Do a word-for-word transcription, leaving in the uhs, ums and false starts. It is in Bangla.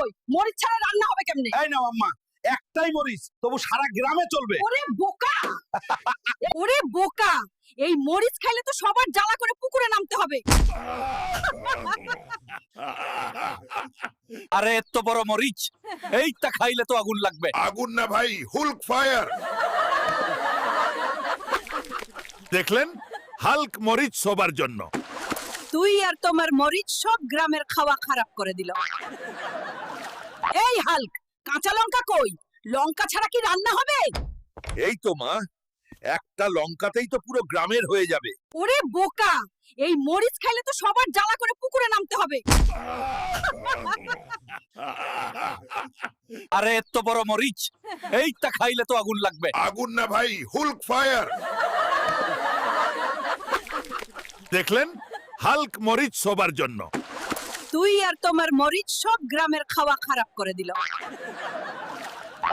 কই? মরিচ ছাড়া রান্না হবে কেমনে? এই নাও আম্মা, একটাই মরিচ, তবু সারা গ্রামে চলবে। ওরে বোকা, ওরে বোকা, এই মরিচ খাইলে তো সবার জ্বালা করে পুকুরে নামতে হবে। আরে এত বড় মরিচ, এইটা খাইলে তো আগুন লাগবে। আগুন না ভাই, হুল্ক ফায়ার। দেখলেন, হাল্ক মরিচ সবার জন্য। তুই আর তোমার মরিচ সব গ্রামের খাওয়া খারাপ করে দিল। এই হাল্ক, কাঁচা লঙ্কা কই? লঙ্কা ছাড়া কি রান্না হবে? এই তো মা, একটা লঙ্কাতেই তো পুরো গ্রামের হয়ে যাবে। ওরে বোকা, এই মরিচ খাইলে তো সবার জ্বালা করে পুকুরে নামতে হবে। আরে এত বড় মরিচ, এইটা খাইলে তো আগুন লাগবে। আগুন না ভাই, হুল্ক ফায়ার। দেখলেন, হাল্ক মরিচ সবার জন্য। তুই আর তোমার মরিচ সব গ্রামের খাওয়া খারাপ করে দিল।